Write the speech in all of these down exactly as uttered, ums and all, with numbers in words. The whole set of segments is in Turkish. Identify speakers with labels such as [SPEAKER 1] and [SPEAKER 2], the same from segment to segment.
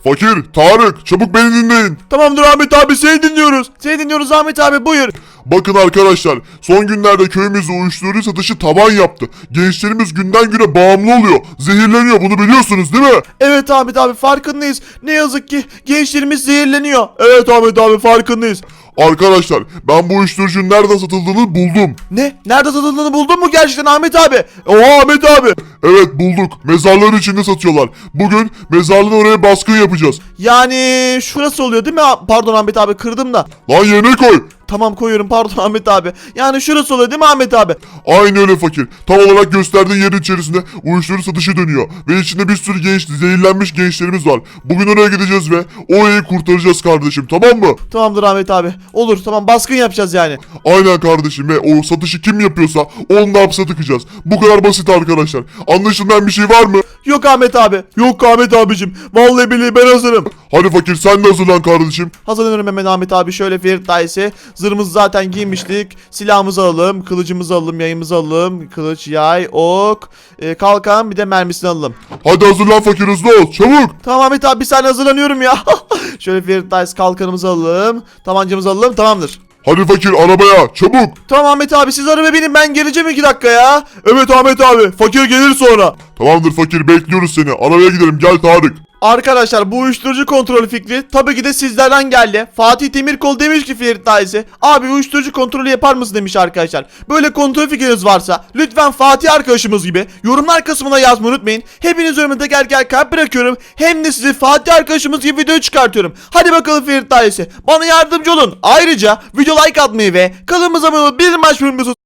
[SPEAKER 1] Fakir, Tarık, çabuk beni dinleyin.
[SPEAKER 2] Tamamdır Ahmet abi, seni dinliyoruz. Seni dinliyoruz Ahmet abi, buyur.
[SPEAKER 1] Bakın arkadaşlar, son günlerde köyümüzde uyuşturucu satışı tavan yaptı. Gençlerimiz günden güne bağımlı oluyor. Zehirleniyor, bunu biliyorsunuz değil mi?
[SPEAKER 2] Evet Ahmet abi, farkındayız. Ne yazık ki gençlerimiz zehirleniyor. Evet Ahmet abi, farkındayız.
[SPEAKER 1] Arkadaşlar, ben bu uyuşturucunun nereden satıldığını buldum.
[SPEAKER 2] Ne? Nerede satıldığını buldun mu gerçekten Ahmet abi? Oha Ahmet abi.
[SPEAKER 1] Evet, bulduk. Mezarların içinde satıyorlar. Bugün mezarlığın oraya baskın yapacağız.
[SPEAKER 2] Yani şurası oluyor değil mi? Pardon Ahmet abi, kırdım da.
[SPEAKER 1] Lan yerine koy.
[SPEAKER 2] Tamam, koyuyorum, pardon Ahmet abi. Yani şurası oluyor değil mi Ahmet abi?
[SPEAKER 1] Aynı öyle fakir. Tam olarak gösterdiğin yerin içerisinde uyuşturucu satışı dönüyor. Ve içinde bir sürü genç, zehirlenmiş gençlerimiz var. Bugün oraya gideceğiz ve orayı kurtaracağız kardeşim, tamam mı?
[SPEAKER 2] Tamamdır Ahmet abi. Olur, tamam, baskın yapacağız yani.
[SPEAKER 1] Aynen kardeşim, ve o satışı kim yapıyorsa onu da hapse tıkacağız. Bu kadar basit arkadaşlar. Anlaşılmayan bir şey var mı?
[SPEAKER 2] Yok Ahmet abi. Yok Ahmet abicim. Vallahi billahi ben hazırım.
[SPEAKER 1] Hadi fakir, sen de hazırlan kardeşim.
[SPEAKER 2] Hazırlanıyorum hemen Ahmet abi. Şöyle Ferit dayısı. Zırhımızı zaten giymiştik. Silahımızı alalım. Kılıcımızı alalım. Yayımızı alalım. Kılıç, yay, ok, e, kalkan, bir de mermisini alalım.
[SPEAKER 1] Hadi hazırlan fakir, hızlı ol çabuk.
[SPEAKER 2] Tamam Ahmet abi, bir saniye hazırlanıyorum ya. Şöyle Ferit dayısı, kalkanımızı alalım. Tabancamızı alalım. Tamamdır.
[SPEAKER 1] Hadi fakir, arabaya çabuk.
[SPEAKER 2] Tamam Ahmet abi, siz arabaya binin, ben geleceğim iki dakika ya. Evet Ahmet abi, fakir gelir sonra.
[SPEAKER 1] Tamamdır fakir, bekliyoruz seni. Arabaya gidelim, gel Tarık.
[SPEAKER 2] Arkadaşlar, bu uyuşturucu kontrolü fikri tabii ki de sizlerden geldi. Fatih Demirkol demiş ki Ferit dayısı, abi uyuşturucu kontrolü yapar mısın demiş arkadaşlar. Böyle kontrol fikriniz varsa lütfen Fatih arkadaşımız gibi yorumlar kısmına yazmayı unutmayın. Hepiniz önüme gel gel kalp bırakıyorum. Hem de size Fatih arkadaşımız gibi video çıkartıyorum. Hadi bakalım Ferit dayısı, bana yardımcı olun. Ayrıca video like atmayı ve kanalımıza abone olup bir maç bölümümüzü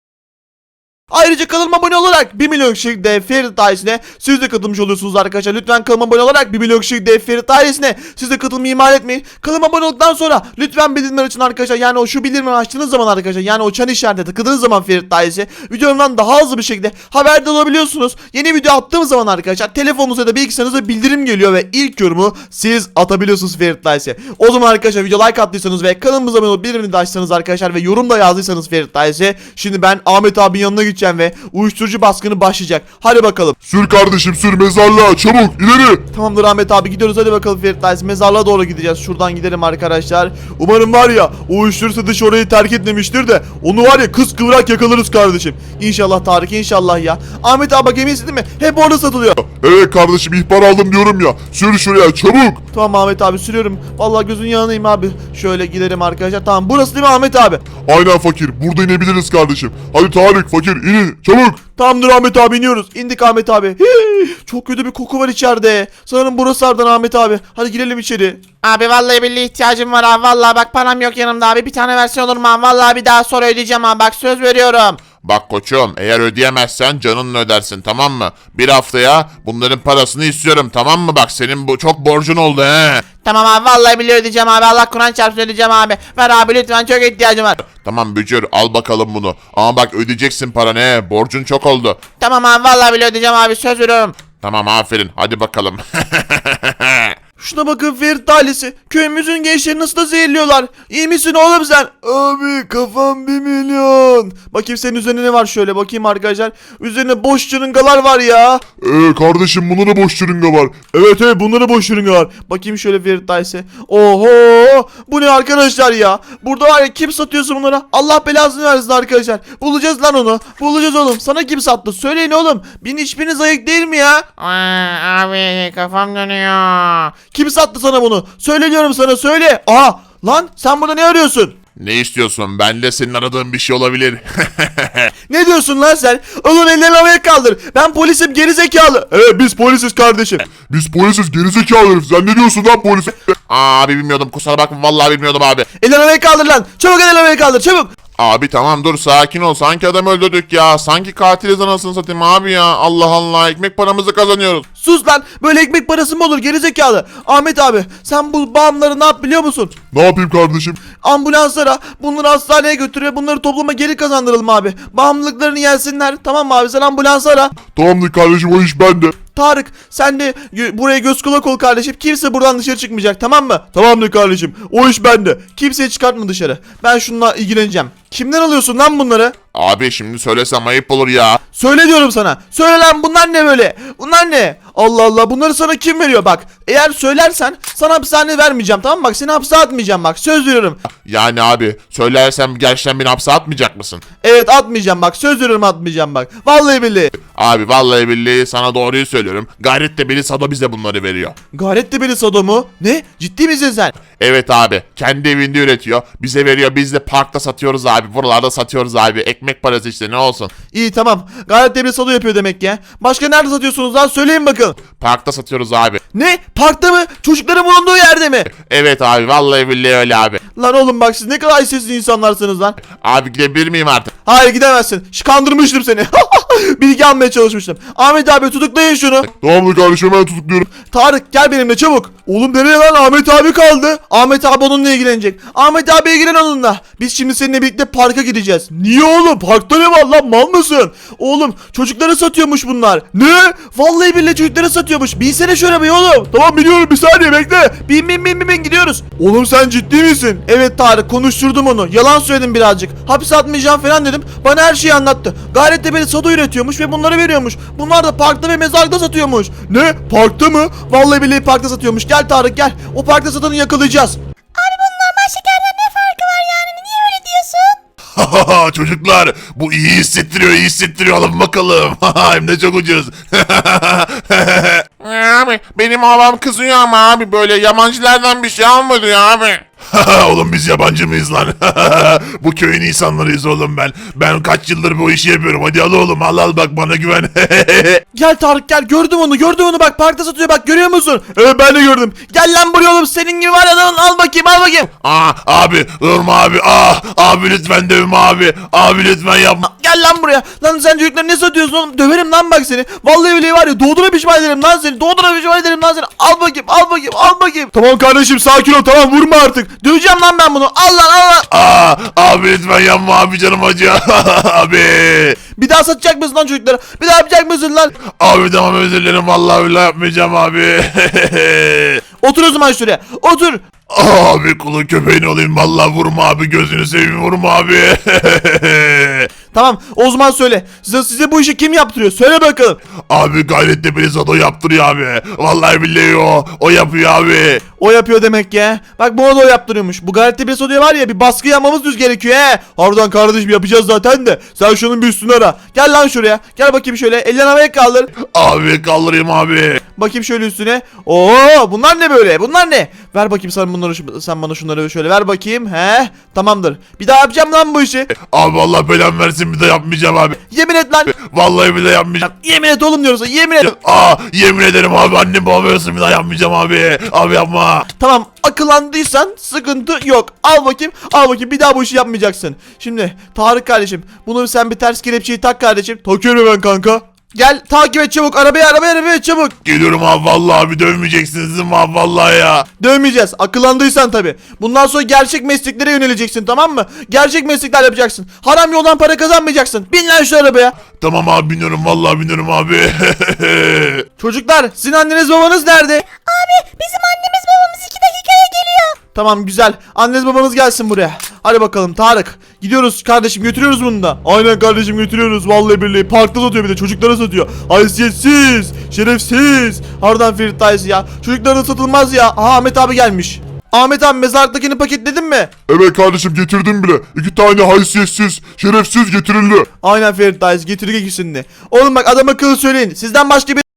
[SPEAKER 2] Ayrıca kanalıma abone olarak bir milyon kişilik dev Ferit ailesine siz de katılmış oluyorsunuz arkadaşlar. Lütfen kanalıma abone olarak bir milyon kişilik dev Ferit ailesine siz de katılmayı ihmal etmeyin. Kanalıma abone olduktan sonra lütfen bildirimler açın arkadaşlar. Yani o şu bildirimleri açtığınız zaman arkadaşlar, yani o çan işaretine tıkladığınız zaman Ferit ailesi videomdan daha hızlı bir şekilde haberdar olabiliyorsunuz. Yeni video attığım zaman arkadaşlar telefonunuza da bilgisayarınıza bildirim geliyor ve ilk yorumu siz atabiliyorsunuz Ferit ailesi. O zaman arkadaşlar, video like attıysanız ve kanalımıza abone olup bildirimini de açtınız arkadaşlar ve yorum da yazdıysanız Ferit ailesi, şimdi ben Ahmet abinin yanına gideceğim ve uyuşturucu baskını başlayacak. Hadi bakalım.
[SPEAKER 1] Sür kardeşim, sür mezarlığa çabuk, ileri.
[SPEAKER 2] Tamamdır Ahmet abi, gidiyoruz, hadi bakalım Ferit dayısı, mezarlığa doğru gideceğiz. Şuradan gidelim arkadaşlar. Umarım var ya o uyuşturucu satışı orayı terk etmemiştir de onu var ya kız kıvrak yakalarız kardeşim. İnşallah Tarık, inşallah ya. Ahmet abi bak, eminsin değil mi? Hep orada satılıyor.
[SPEAKER 1] Evet kardeşim, ihbar aldım diyorum ya. Sür şuraya çabuk.
[SPEAKER 2] Tamam Ahmet abi, sürüyorum. Vallahi gözün yanındayım abi. Şöyle gidelim arkadaşlar. Tamam, burası değil mi Ahmet abi?
[SPEAKER 1] Aynen fakir, burada inebiliriz kardeşim. Hadi Tarık, fakir inin çabuk.
[SPEAKER 2] Tamamdır Ahmet abi, iniyoruz. İndik Ahmet abi. Hii, çok kötü bir koku var içeride. Sanırım burası Ardan Ahmet abi. Hadi girelim içeri.
[SPEAKER 3] Abi vallahi billahi ihtiyacım var abi. Vallahi bak, param yok yanımda abi. Bir tane versen olur mu abi? Vallahi bir daha sonra ödeyeceğim abi. Bak, söz veriyorum.
[SPEAKER 4] Bak koçum, eğer ödeyemezsen canınla ödersin, tamam mı? Bir haftaya bunların parasını istiyorum, tamam mı? Bak, senin bu çok borcun oldu he.
[SPEAKER 3] Tamam abi, vallahi billahi ödeyeceğim abi. Allah Kur'an çarpsın, ödeyeceğim abi. Ver abi lütfen, çok ihtiyacım var.
[SPEAKER 4] Tamam Bücür, al bakalım bunu. Ama bak, ödeyeceksin paranı he. Borcun çok oldu.
[SPEAKER 3] Tamam abi, vallahi billahi ödeyeceğim abi. Söz veriyorum.
[SPEAKER 4] Tamam, aferin, hadi bakalım.
[SPEAKER 2] Şuna bakın Ferit ailesi. Köyümüzün gençleri nasıl da zehirliyorlar. İyi misin oğlum sen? Abi kafam bir milyon. Bakayım senin üzerine ne var, şöyle bakayım arkadaşlar. Üzerine boş çırıngalar var ya.
[SPEAKER 1] Ee kardeşim, bunda da boş şırınga var.
[SPEAKER 2] Evet evet, bunlara boş çırınga var. Bakayım şöyle Ferit ailesi. Oho, bu ne arkadaşlar ya. Burada var ya, kim satıyorsa bunlara Allah belasını versin arkadaşlar. Bulacağız lan onu. Bulacağız oğlum. Sana kim sattı? Söyleyin oğlum. Bin hiçbiriniz ayık değil mi ya?
[SPEAKER 3] Aa, abi kafam dönüyor.
[SPEAKER 2] Kim sattı sana bunu? Söyle diyorum sana, söyle. Aha lan, sen burada ne arıyorsun?
[SPEAKER 4] Ne istiyorsun? Ben de senin aradığın bir şey olabilir.
[SPEAKER 2] Ne diyorsun lan sen? Oğlum ellerini havaya kaldır. Ben polisim, geri zekalı. Evet, biz polisiz kardeşim.
[SPEAKER 1] Biz polisiz, gerizekalı herif. Sen ne diyorsun lan polis?
[SPEAKER 4] Aa, abi bilmiyordum, kusura bakma, vallahi bilmiyordum abi.
[SPEAKER 2] Ellerini havaya kaldır lan. Çabuk ellerini havaya kaldır, çabuk.
[SPEAKER 4] Abi tamam, dur, sakin ol. Sanki adam öldürdük ya. Sanki katiliz, anasını satayım abi ya. Allah Allah, ekmek paramızı kazanıyoruz.
[SPEAKER 2] Sus lan. Böyle ekmek parası mı olur geri zekalı? Ahmet abi, sen bu bağımları ne yap biliyor musun?
[SPEAKER 1] Ne yapayım kardeşim?
[SPEAKER 2] Ambulanslara bunları hastaneye götür ve bunları topluma geri kazandıralım abi. Bağımlılıklarını yensinler. Tamam mı abi, sen ambulansı ara.
[SPEAKER 1] Tamamdır kardeşim, o iş bende.
[SPEAKER 2] Tarık, sen de gö- buraya göz kulak ol kardeşim. Kimse buradan dışarı çıkmayacak, tamam mı? Tamamdır kardeşim. O iş bende. Kimseyi çıkartma dışarı. Ben şununla ilgileneceğim. Kimden alıyorsun lan bunları?
[SPEAKER 4] Abi şimdi söylesem ayıp olur ya.
[SPEAKER 2] Söyle diyorum sana. Söyle lan, bunlar ne böyle? Bunlar ne? Allah Allah, bunları sana kim veriyor bak. Eğer söylersen sana hapishane vermeyeceğim, tamam mı? Bak seni hapse atmayacağım, bak söz veriyorum.
[SPEAKER 4] Yani abi söylersem gerçekten beni hapse atmayacak mısın?
[SPEAKER 2] Evet atmayacağım bak, söz veriyorum atmayacağım bak. Vallahi billahi.
[SPEAKER 4] Abi vallahi billahi sana doğruyu söylüyorum. Gayret de beni Sado bize bunları veriyor.
[SPEAKER 2] Gayret de beni Sado mu? Ne? Ciddi misin sen?
[SPEAKER 4] Evet abi kendi evinde üretiyor. Bize veriyor, biz de parkta satıyoruz abi. Buralarda satıyoruz abi. Ekmek parası işte, ne olsun.
[SPEAKER 2] İyi tamam. Gayret de beni Sado yapıyor demek ya. Başka nerede satıyorsunuz lan? Söyleyin bakın.
[SPEAKER 4] Parkta satıyoruz abi.
[SPEAKER 2] Ne? Parkta mı? Çocukların bulunduğu yerde mi?
[SPEAKER 4] Evet abi vallahi billahi öyle abi.
[SPEAKER 2] Lan oğlum bak, siz ne kadar sessiz insanlarsınız lan.
[SPEAKER 4] Abi gidebilir miyim artık?
[SPEAKER 2] Hayır gidemezsin. Şş, kandırmıştım seni. Bilgi almaya çalışmıştım. Ahmet abi tutuklayın şunu.
[SPEAKER 1] Tamamdır kardeşim, hemen tutukluyorum.
[SPEAKER 2] Tarık gel benimle çabuk. Oğlum nereye lan? Ahmet abi kaldı. Ahmet abi onunla ilgilenecek. Ahmet abi ilgilen onunla. Biz şimdi seninle birlikte parka gideceğiz. Niye oğlum? Parkta ne var lan? Mal mısın? Oğlum çocukları satıyormuş bunlar. Ne? Vallahi billahi çocukları satıyormuş. Binsene şu arabaya oğlum. Tamam biliyorum, bir saniye bekle. Bin bin bin bin, bin gidiyoruz. Oğlum sen ciddi misin? Evet Tarık, konuşturdum onu. Yalan söyledim birazcık. Hapse atmayacağım falan dedim. Bana her şeyi anlattı. Gayret de beni Sado üretiyormuş ve bunları veriyormuş. Bunlar da parkta ve mezarda satıyormuş. Ne? Parkta mı? Vallahi billahi parkta satıyormuş. Gel Tarık gel. O parkta satanı yakalayacağız.
[SPEAKER 3] Normal şekerden ne farkı var yani? Niye öyle diyorsun?
[SPEAKER 4] Çocuklar bu iyi hissettiriyor, iyi hissettiriyor, alın bakalım. Hem de çok ucuz. Abi benim babam kızıyor ama abi, böyle yabancılardan bir şey almadı ya abi. Oğlum biz yabancı mıyız lan? Bu köyün insanlarıyız oğlum ben. Ben kaç yıldır bu işi yapıyorum. Hadi al oğlum, al al, bak bana güven.
[SPEAKER 2] Gel Tarık gel, gördüm onu gördüm onu, bak parkta satıyor, bak görüyor musun? Evet ben de gördüm. Gel lan buraya oğlum, senin gibi var ya lan, al bakayım al bakayım.
[SPEAKER 4] Aa abi durma abi. Ah abi lütfen dövme abi. Abi lütfen yapma.
[SPEAKER 2] Gel lan buraya. Lan sen çocuklar ne satıyorsun oğlum? Döverim lan bak seni. Vallahi öyle var ya, doğdura pişman ederim lan seni. Doğdura pişman ederim lan seni. Al bakayım al bakayım al bakayım. Tamam kardeşim sakin ol, tamam vurma artık. Döveceğim lan ben bunu. Al lan al lan.
[SPEAKER 4] Aa abi lütfen yapma abi, canım acıyor. Abi.
[SPEAKER 2] Bir daha satacak mısın lan çocuklara? Bir daha yapacak mısın lan?
[SPEAKER 4] Abi tamam özür dilerim, vallahi billahi yapmayacağım abi.
[SPEAKER 2] Otur o zaman şuraya. Otur.
[SPEAKER 4] Abi kulun köpeğin olayım, vallahi vurma abi, gözünü seveyim, vurma abi.
[SPEAKER 2] Tamam o zaman söyle. Size, size bu işi kim yaptırıyor? Söyle bakalım.
[SPEAKER 4] Abi Gayret'te beni Sado yaptırıyor abi. Vallahi billahi o. O yapıyor abi.
[SPEAKER 2] O yapıyor demek ya. Bak bu da o yaptırıyormuş. Bu Gayret'te bir soruyor var ya, bir baskı yapmamız düz gerekiyor he. Harbiden kardeşim yapacağız zaten de. Sen şunun bir üstünü ara. Gel lan şuraya. Gel bakayım şöyle. Ellerini havaya kaldır.
[SPEAKER 4] Abi kaldırayım abi.
[SPEAKER 2] Bakayım şöyle üstüne. Oo bunlar ne böyle? Bunlar ne? Ver bakayım sen bunları, sen bana şunları şöyle ver bakayım. He? Tamamdır. Bir daha yapacağım lan bu işi.
[SPEAKER 4] Abi Allah belamı versin, bir de yapmayacağım abi.
[SPEAKER 2] Yemin et lan.
[SPEAKER 4] Vallahi bir de yapmayacağım.
[SPEAKER 2] Yemin et oğlum diyorsa yemin et.
[SPEAKER 4] Aa yemin ederim abi, annem babam ölsün, bir daha yapmayacağım abi. Abi yapma.
[SPEAKER 2] Tamam akıllandıysan sıkıntı yok. Al bakayım al bakayım, bir daha bu işi yapmayacaksın. Şimdi Tarık kardeşim, bunu sen bir ters kelepçeyi tak kardeşim. Takıyorum ben kanka. Gel takip et çabuk, arabaya arabaya arabaya çabuk.
[SPEAKER 4] Geliyorum abi, vallahi abi dövmeyeceksiniz değil mi abi, vallahi ya.
[SPEAKER 2] Dövmeyeceğiz akıllandıysan tabi. Bundan sonra gerçek mesleklere yöneleceksin, tamam mı? Gerçek meslekler yapacaksın. Haram yoldan para kazanmayacaksın. Bin lan şu arabaya.
[SPEAKER 4] Tamam abi biniyorum, vallahi biniyorum abi.
[SPEAKER 2] Çocuklar sizin anneniz babanız nerede?
[SPEAKER 3] Abi bizim annemiz babamız iki dakikaya geliyor.
[SPEAKER 2] Tamam güzel. Anneniz babanız gelsin buraya. Hadi bakalım Tarık. Gidiyoruz kardeşim, götürüyoruz bunu da. Aynen kardeşim götürüyoruz, vallahi billahi. Parkta satıyor, bir de çocuklara satıyor. Haysiyetsiz, şerefsiz. Harbiden Ferit dayısı ya. Çocuklara da satılmaz ya. Aha Ahmet abi gelmiş. Ahmet abi mezarlıktakini paketledin mi?
[SPEAKER 1] Evet kardeşim, getirdim bile. İki tane haysiyetsiz, şerefsiz getirildi.
[SPEAKER 2] Aynen Ferit dayısı, getirdik ikisini de. Oğlum bak adam akıllı söyleyin. Sizden başka bir